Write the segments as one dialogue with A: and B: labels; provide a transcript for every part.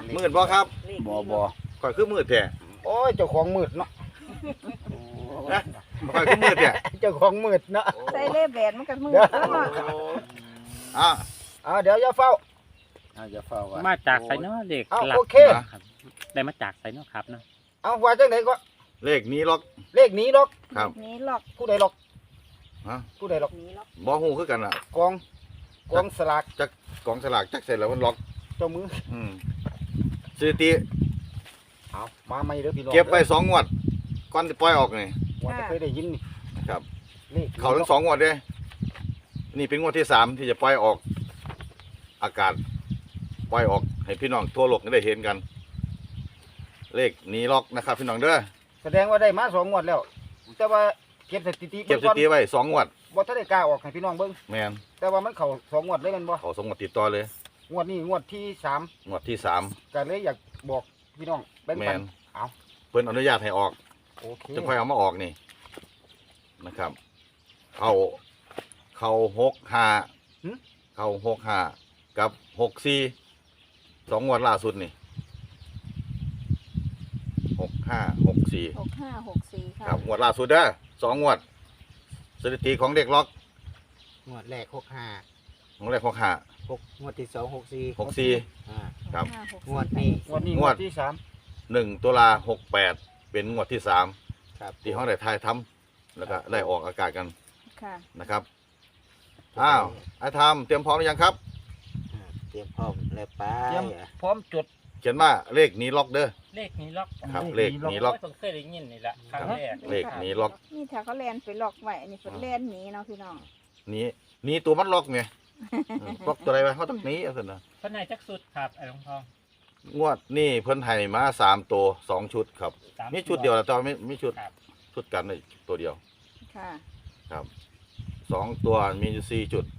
A: มืดบ่ครับ
B: บ่
A: ข่อยคือมืดแท้
B: โอ้ยเจ้าของมืดเนาะ
A: นะข่อยคือมืดแท้
B: เจ้าของมืดเนาะ
C: ใส่เล่แบนมันก็มือแล้วเนาะ
A: อ่ะ
B: เดี๋ยวอย่าเฝ้า
D: จะเฝ้าว่า
E: มาจากไสเนาะเด็ก
B: เอา
E: หลั
B: โอเค
E: ครับได้มาจากไสเนาะครับเนาะ
B: เอาว่าจังไหนก็
A: เลขนี้ล็อก
B: เลขหนี้ล็อก
A: ครับ
C: นี้หลอก
B: ผู้ใดล็อก
A: ฮะ
B: ผู้ใดล็อก
C: นี้หลอก
A: บ่ฮู้คือกันอ่ะ
B: กองสลาก
A: จักกองสลากจักเสร็จแล้วมันล็อก
B: เจ้ามือ
A: สถิติ
B: เอามาใหม่เด้อพี่น้อง
A: เก็บไว้2งวดก่อนสิปล่อยออกนี่
B: ว่าจะเคยได้ยินนี่
A: ครับ
B: เลข
A: เขาทั้ง2งวดเด้นี่เป็นงวดที่3ที่จะปล่อยออกอากาศปล่อยออกให้พี่น้องทั่วโลกได้เห็นกัน เลขนี้ล็อกนะครับพี่น้องเด้อ
B: แสดงว่าได้มา2งวดแล้ว แต่ว่าเก็บสถิติ
A: เก็บสถิติไว้2งวด
B: บ่ทันได้กล้าออกให้พี่น้องเบิ่ง
A: แม่น
B: แต่ว่ามันเข้า2งวดเลยแม่นบ่
A: เขา2งวดติดต่อเลย
B: งวดนี้งวดที่3
A: งวดที่3
B: ก็เลยอยากบอกพี่น้องแบ่ง
A: แม่
B: ปัน
A: น
B: เอา
A: เพิ่นอนุญาตให้ออก
B: โอเค
A: จะค่อยเอามาออกนี่นะครับ เข้า65เข้า65กับ64 2งวดล่าสุดนี่65 64
C: 6564
A: ค
C: ค่ะ
A: รับงวดล่าสุดเด้อ2งวดสถิติของเด็กล็อก
D: งวดแรก65
A: ของแรก65
D: 6งวดที่2 64
A: 64 ครับ
D: งวดนี้
B: งวดนี้
A: ง
B: ง
A: ว
B: ว
A: ด
B: ดที่
A: 1ตุลา68เป็นงวดที่3
D: ครับ
A: ที่เขาได้ทายทำแล้วก็ได้ออกอากาศกัน
C: ค่ะ
A: นะครับอ้าวไอ้ทำเตรียมพร้อมหรือยังครับ
D: เตรียมพร้อมแล้วไป
B: 3เตรียมพร้อมจด
A: เขียนว่าเลขนี้ล็อกเด้อ
E: เลขนี้ล็อก
A: ครับ
B: เล
A: เล
B: ข
A: ข
B: นี้
A: นี้
B: ล็
A: ล็
B: อ
A: อก ก
E: เพิ่งเคยได้ยินนี่ละครั้งแรก
A: เลขนี้ล็อก
C: นี่ถ้าเขาแลนไปหลอกไว้อันนี้เพิ่นแลนหนีเนาะพี่น้อง
A: นี้ตัวมันล็อกไงล็อกตัวอะไรวะเขาต้องหนี้เอาสินะ
E: เพิ่นให้จักสุดครับไอ้หลวงทอง
A: งวดนี่เพิ่นให้มา3ตัว2ชุดครับ
E: สาม
A: มีชุดเดียวแล้วแต่ว่าไม่ชุด
E: ครับ
A: ชุดกันเลยตัวเดียว
C: ค่ะ
A: ครับ2ตัวมีอยู่4จุด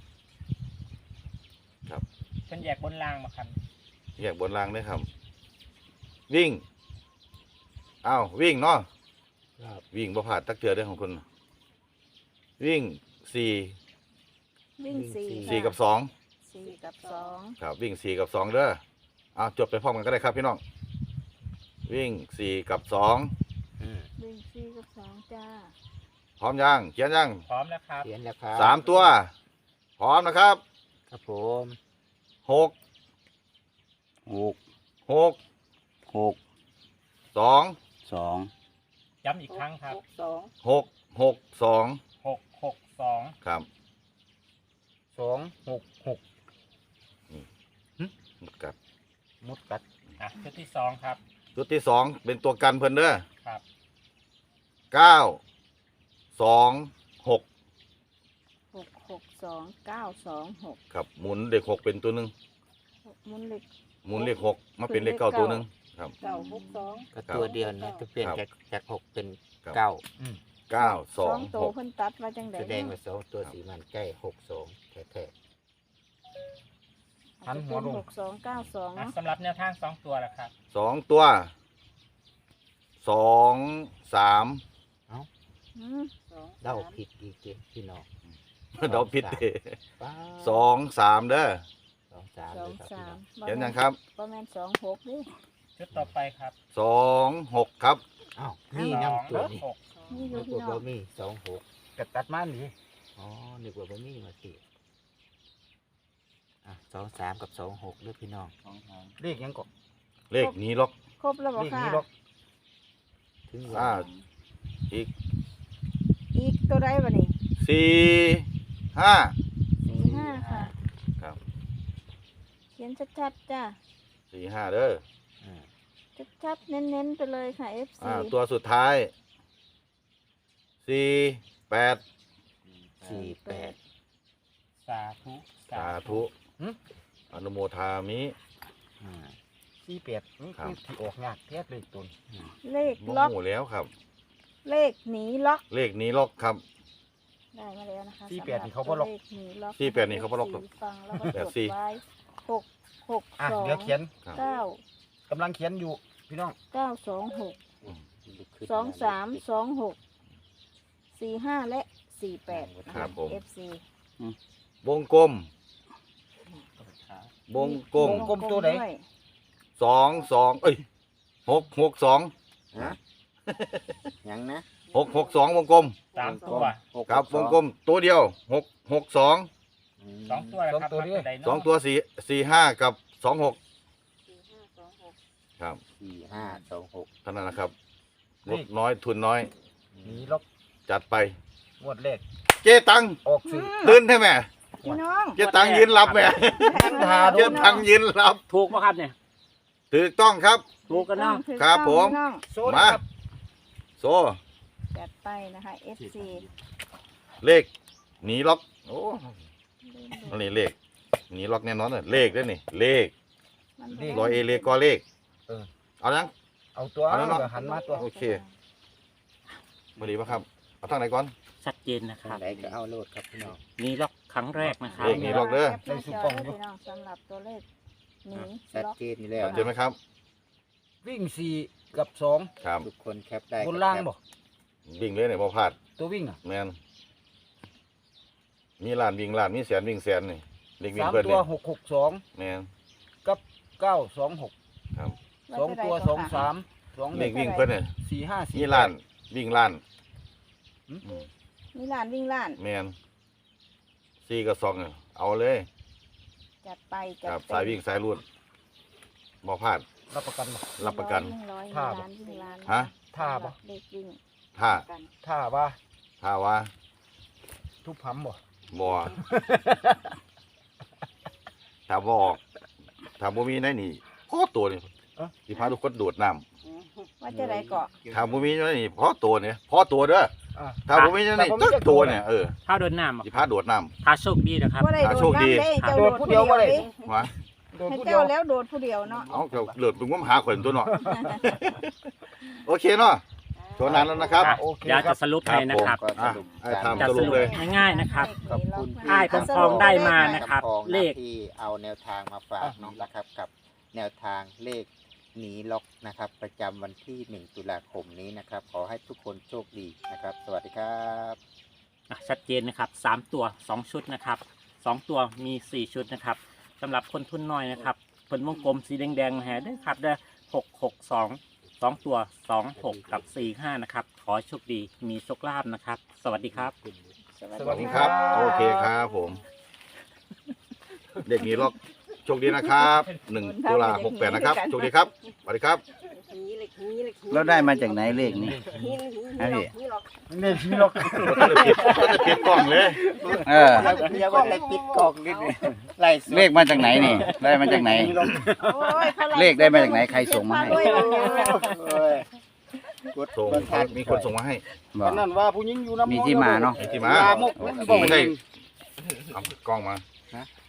E: เพิ่นแยกบนรางมาครับ
A: แยกบนรางด้วยครับ วิ่งอ้าววิ่งเนาะ
D: ครับ
A: วิ่งบ่ผ่านตักเทือได้อของคุณวิ่ง4
C: วิ่ง4
A: 4กับ2
C: 4กับ2
A: ครับวิ่ง4กับ2เด้อเอาจดไปพร้อมกันก็ได้ครับพี่น้องวิ่ง4กับ2
C: วิ่ง4กับ2จ้า
A: พร้อมยังเขียนยัง
E: พร้อมแล้วครับ
D: เขียนแล้วครับ
A: 3ตัวพร้อมนะครับ
D: ครับผม
A: 6 6
B: 6
A: 2
B: 2
E: ย้ำอีกครั้งครับ
A: 6 6 2
E: 662
A: ครับ
B: 2 6 6
A: กัด
B: มุดกัด
E: อ่ะชุดที่2ครับ
A: ชุดที่2เป็นตัวกันเพิ่นเด้อ
E: ครับ
A: 9 2 6
C: 662
A: ครับหมุนเลข6เป็นตัวหนึง
C: 926มุนเล็ก
A: หมุนเลข6มาเป็นเลข9ตัวหนึงครับ
C: 962
D: ก็ตัวเดียวนะจะเปลี่ยน
A: ครับ
D: จาก6เป็น
A: ครับ
D: 9
A: 9
C: 2
A: 2
C: ตัวเพิ่นตัดมาจังได๋
D: แสดงว่า2ตัวสีมันใกล้62แท้
B: หันหัวลง
C: 6292
E: อ่ะ
C: เนาะ
E: สำหรับแนวทาง2ตัวละครับ
A: 2ตัว2 3
C: อืม
D: ๆเดาผิดอีกทีพี่น้อง
A: เดาผิดเด้
D: ป้า
A: 2 3เด้อ
D: 2 3เลยครับพี่น้อง
C: 23
A: เขียนยังครับ
C: บ่แม่น26เด้
E: ชุดต่อไปครับ
A: 2 6ครับ
D: อ้าวนี่น้ำตัวนี้
E: 6
C: นี่อยู่
D: นึก
C: พี่
D: ว่า
C: น้อง
D: บะหมี่26
B: ก็ตัดมานี่
D: อ๋อนึกว่าบะหมี่มาสิ23กับ26ด้วยพี่น้อง
B: เลขยังก็
A: เลขนี้ล็อก
C: ครบแล้วบ่
B: เลข
C: ค่ะ
B: นี้ล็อก
D: ถึง
A: อ่า
D: ว่า
A: อีก
C: อีกตัวใดบ่นี่
A: 4 5
C: 45ค่ะ
A: ครับ
C: เขียนชัดๆจ้า
A: 4 5เด้อ
D: อ่า
C: ชัดๆเน้นๆไปเลยค่ะ FC
A: ตัวสุดท้าย4 8
D: 48
E: สาธุ
A: สาธุอนุโมทามิ
D: อ่า
B: 48นี่
A: ครับ
B: คือที่ออกยากแท้เลยตน
C: เลข
A: บ่
C: ล็อก
A: หูแล้วครับ
C: เลขหนีล็อก
A: เลขนี้ล็อกครับ
C: ได้มาแล้วนะคะ
B: 48นี่เขาบ่ล็อก
C: เลขหนีล็อก
A: 48นี่เขาบ่ล็อกหรอก
C: ฟังแล้วก็จด
A: 84
C: ไว้6 6
B: อ่ะเดี๋ยวเขียน
A: ครับ
C: 9
B: กำลังเขียนอยู่พี่น้อง
C: 926 23 26 45 และ 48นะ
A: ครั
C: คะ
A: บผม
C: FC
A: วงกลมวงกลม
B: วงกลมตัวไหน
C: ด้วย
A: 22เอ้ย662
D: ฮะยังนะ
A: 662วงกลม
E: สามตัว
A: ครับวงกลมตัวเดียว662
E: สองตัวนะ
B: สอง
E: ครับ
B: ตัวนี้
E: ไดโน่
A: สองตัว45กับ26
C: 4526
A: ครับ
D: 4526
A: เท่านั้นนะครับงบน้อยทุนน้อย
B: หนีล็อก
A: จัดไป
B: งวดแรก
A: เจ๊ตัง
B: ออกสื่อ
A: ตื่นใช่ไหม
C: พี่น้อง
A: เจ๊ตังยืนรับแม่
B: ทา
A: เจ๊ตังยืนรับ
E: ถูกไหมครับเนี่ย
A: ถูกต้องครับ
E: ถูกกันเนาะ
C: ถูก
A: ครับ
C: ต้อง
A: ผม
C: พี่น้อง
B: โซน
A: มา
B: ครับ
A: โซ่
C: จัดไปนะคะ FC
A: เลขหนีล็อกโอ้อันนี้เลขหนีล็อกแน่นอนเลยเลขด้วยนี่เลขร้อยเอเลขก็เลขเอายัง
B: เอาตัว
A: เอาแล้วเนาะ
B: หันมาตัว
A: โอเคมาดีป่ะครับเอาทางไหนก่อน
E: ชัดเจนนะค
D: ทา
E: รั
D: ง
E: บ
D: ไหนก็เอาโลดครับพี่น้อง
E: นี่ล็อกครั้งแรกนะครับ
A: เลขนี้ล็อกเด้อ
C: แคปหน้าจอได้พี่น้องสำหรับตัวเลขหนี
D: ชัด
C: ล็อก
D: เจนอยู่แล้ว
A: เจอไหมครับ
B: วิ่ง4กับ
A: ครับ
D: ทุกคนแคปได้
B: 2บนล่างบ่
A: วิ่งเลยเนี่ยพอพลาด
B: ตัววิ่งอ่ะ
A: แมนมีล้านวิ่งล้านมีแสนวิ่งแสนนี่เลขวิ่ง
B: 3
A: เพิ่น
B: ตัว
A: นี่
B: 662
A: แมน
B: กับ926
A: ครับ
B: 2ตัว23 2
A: เลขวิ่งเพิ่นเนี่ย
B: 4 5 4
A: มีล้านวิ่งล้าน
B: หืม
A: อืม
C: มีล้านวิ่งล้าน
A: แมน4กับ2เนี่ยเอาเลย
C: จัดไปจั
A: ค
C: ด
A: รับ
C: เต็ม
A: สายวิ่งสายรูดบ่พลาด
B: รับประกันบ่
A: รับประกัน
C: ร้อย
B: ท่า
C: วิ่ง
B: บ่
C: ล้านวิ่งล้าน
A: ฮะ
B: ท่าบ่
C: เลขวิ่ง
A: ถ้า
C: กัน
B: ถ้าว่า
A: ถ้าว่า
B: ทุบผำบ่
A: บ่ถ้าบ่ออกถ้าบ่มีในนี่พอตัวนี่สิพาทุกคนโดดน้ำ
C: ว่าจะไรเกาะ
A: ถ้าบ่มีในนี่พอตัวเนี่ยพอตัวเด้อ
B: อ่ะ
A: ถ้าบ่มีในนี่ตึกตัวเนี่ย
E: ถ้าโดนน้ำ
A: สิพาโดดน้ำ
E: ถ้าโชคดีนะครับ
C: ว่าได้
A: อ่า
C: โด
A: โช
C: ด
A: คดี
C: น้ำได้เจ้า
B: โด
C: โด
B: ด
C: ด
B: ผู้
C: ผู้
B: เดี
C: เดี
B: ย
C: ยว ว
B: บ่ได้
C: ดิ
A: ว่า
B: โดน
C: ให้
B: ผู้เดีย
C: เจ้าว แล้วโดดผู้เดียวเนาะ
A: เอาก็เลือดเป็นงมหาข่อยตัวเนาะโอเคเนาะโชว์นานแล้วนะครับ
E: อ่ะ
B: โอเค
E: เดี๋ยว
B: ครั
E: จะ
B: บ
E: สรุปให้นะครับ
D: ก็สรุป
A: อ่ะ
D: การ
A: ทำสรุปเลย
E: ง่ายๆนะครับ
D: ขอบคุณ
E: อ้ายผมทองได้มานะครับ
D: ทอง
E: เลข
D: ที่เอาแนวทางมาฝากเน้องนะครับกับแนวทางเลขหนีล็อกนะครับ ประจำวันที่ 1 ตุลาคมนี้นะครับ ขอให้ทุกคนโชคดีนะครับ สวัสดีครับ
E: ชัดเจนนะครับ3ตัว 2 ชุดนะครับ2ตัวมี 4 ชุดนะครับสำหรับคนทุนน้อยนะครับผลวงกลมสีแดงๆมาแห่ด้วยครับได้662 2 ตัว 26 กับ 45 นะครับ ขอโชคดีมีโชคลาภนะครับ สวัสดีครับ
C: สวัส
A: ข
C: ดี
A: อบคุณครับ โอเคครับผม เด็กนี้ล็อกโชคดีนะครับ1 ตุลา68นะครับโชคดีครับสวัสดีครับ
F: แล้วได้มาจากไหนเลขนี้ฮะพี่
B: นี่พี่ล็อก
A: ก็จะปิดกล้องเลย
F: เออ
D: เรียกว่าอะไรปิดกล่องนิดนึงไล่สด
F: เลขมาจากไหนนี่ ได้มาจากไหน
C: โอ้ยขา
F: เลขได้มาจากไหนใครส่งมาให้
C: ด้วยวันนี้
D: เอ้ยกด
A: ส่ง
D: บ่ทัน
A: มีคนส่งมาให้
F: บ
B: ต
F: อ
B: อก นนั้นว่าผู้หญิงอยู่น้ำ
F: มีที่มาเนาะ
A: มีที่มา
B: ลามก
A: ไม่ใช่เอากล้องมา